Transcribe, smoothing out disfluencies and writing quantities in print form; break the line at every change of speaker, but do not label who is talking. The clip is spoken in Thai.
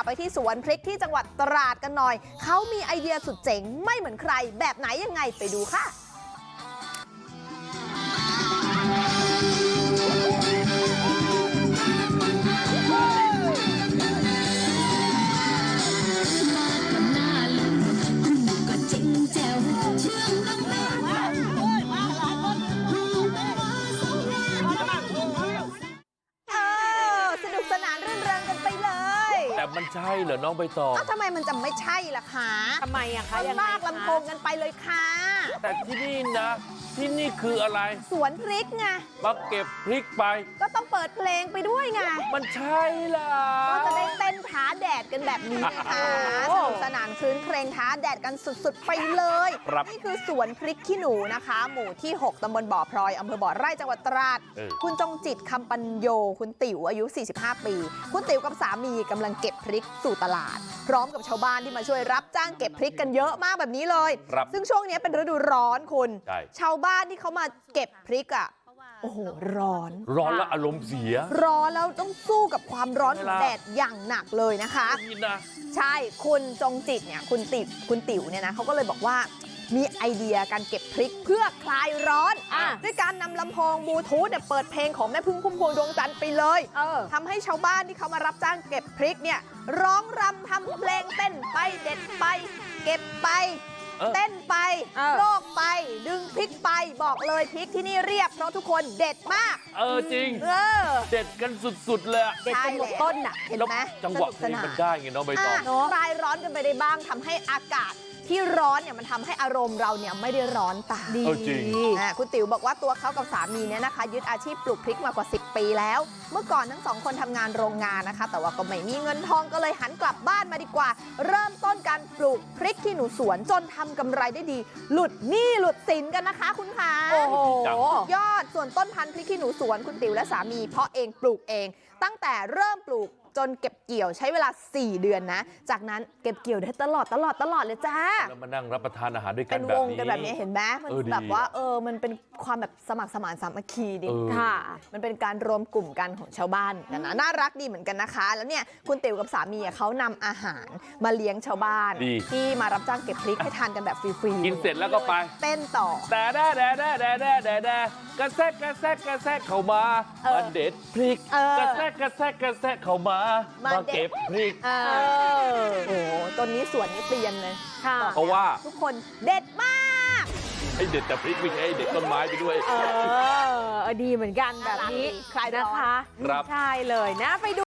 ไปที่สวนพริกที่จังหวัดตราดกันหน่อยเขามีไอเดียสุดเจ๋งไม่เหมือนใครแบบไหนยังไงไปดูค่ะสนุกสนานรื่นเริงกันไปเลย
แต่มันใช่เหรอน้องใบตอง
ทำไมมันจะไม่ใช่ล่ะคะ
ทำไมอะคะ
ลากลำโพงกันไปเลยค่ะ
แต่ที่นี่นะที่นี่คืออะไร
สวนพริกไง
มาเก็บพริกไป
ก็ต้องเปิดเพลงไปด้วยไง
มันใช่ล่ะ
ก็จะได้เต้นท้าแดดกันแบบนี้นะคะสนุกสนานคลื้นเครงท้าแดดกันสุดๆไปเลยนี่คือสวนพริกขี้หนูนะคะหมู่ที่6ตำบลบ่อพลอยอำเภอบ่อไร่จังหวัดตราดคุณจงจิตคำปัญโยคุณติ๋วอายุ45ปีคุณติ๋วกับสามีกำลังเก็บพริกสู่ตลาดพร้อมกับชาวบ้านที่มาช่วยรับจ้างเก็บพริกกันเยอะมากแบบนี้เลยซึ่งช่วงนี้เป็นฤดูร้อนคุณชาวบ้านที่เขามาเก็บพริกอ่ะโอ้โหร้อน
แล้วอารมณ์เสีย
ร้อนแล้วต้องสู้กับความร้อนของแดดอย่างหนักเลยนะคะใช่คุณจงจิตเนี่ยคุณติ๋วเนี่ยนะเขาก็เลยบอกว่ามีไอเดียการเก็บพริกเพื่อคลายร้อนด้วยการนำลำโพงบลูทูธเนี่ยเปิดเพลงของแม่พึ่งพุ่มพวงดวงจันทร์ไปเลยทำให้ชาวบ้านที่เขามารับจ้างเก็บพริกเนี่ยร้องรำทำเพลงเต้นไปเด็ดไปเก็บไปเต้นไปโลกไปดึงพริกไปบอกเลยพริกที่นี่เรียบเพราะทุกคนเด็ดมาก
จริงเด็ดกันสุดๆเลย
เด็ดกันหมดต้นน่ะเห็นไหม
จังหวะเพลงมันได้ไงน้องใบตอง
คลายร้อนกันไปได้บ้างทำให้อากาศที่ร้อนเนี่ยมันทำให้อารมณ์เราเนี่ยไม่ได้ร้อนตาม
ดี
คุณติ๋วบอกว่าตัวเขากับสามีเนี่ยนะคะยึดอาชีพปลูกพริกมากว่า10 ปีแล้วเมื่อก่อนทั้ง2 คนทำงานโรงงานนะคะแต่ว่าก็ไม่มีเงินทองก็เลยหันกลับบ้านมาดีกว่าเริ่มต้นการปลูกพริกขี้หนูสวนจนทำกำไรได้ดีหลุดหนี้หลุดสินกันนะคะคุณคะ
โอ้โห
ยอดส่วนต้นพันธุ์พริกขี้หนูสวนคุณติ๋วและสามีเพาะเองปลูกเองตั้งแต่เริ่มปลูกจนเก็บเกี่ยวใช้เวลา4 เดือนนะจากนั้นเก็บเกี่ยวได้ตลอดเลยจ้า
แล้วมานั่งรับประทานอาหารด้วยกัน
เป็นวงกันแบบนี้เห็นไหมมันแบบว่ามันเป็นความแบบสมัครสมานสามัคคีดีค่ะมันเป็นการรวมกลุ่มกันของชาวบ้านกันนะน่ารักดีเหมือนกันนะคะแล้วเนี่ยคุณติ๋วกับสามีเขานำอาหารมาเลี้ยงชาวบ้านที่มารับจ้างเก็บพริกให้ทานกันแบบฟรี
ๆกินเสร็จแล้วก็ไป
เต้นต่อ
แต่กระแซกเข้ามาเด็ดพริกกระแซกเข้ามาเก็บพริก
โอ้ต้นนี้สวนนี้เปลี่ยนเลย
เพราะว่า
ทุกคนเด็ดมาก
ให้เด็ดแต่พริกไม่ใช่เด็ดต้นไม้ไปด้วย
ดีเหมือนกันแบบนี้ใครนะคะใช่เลยนะไปดู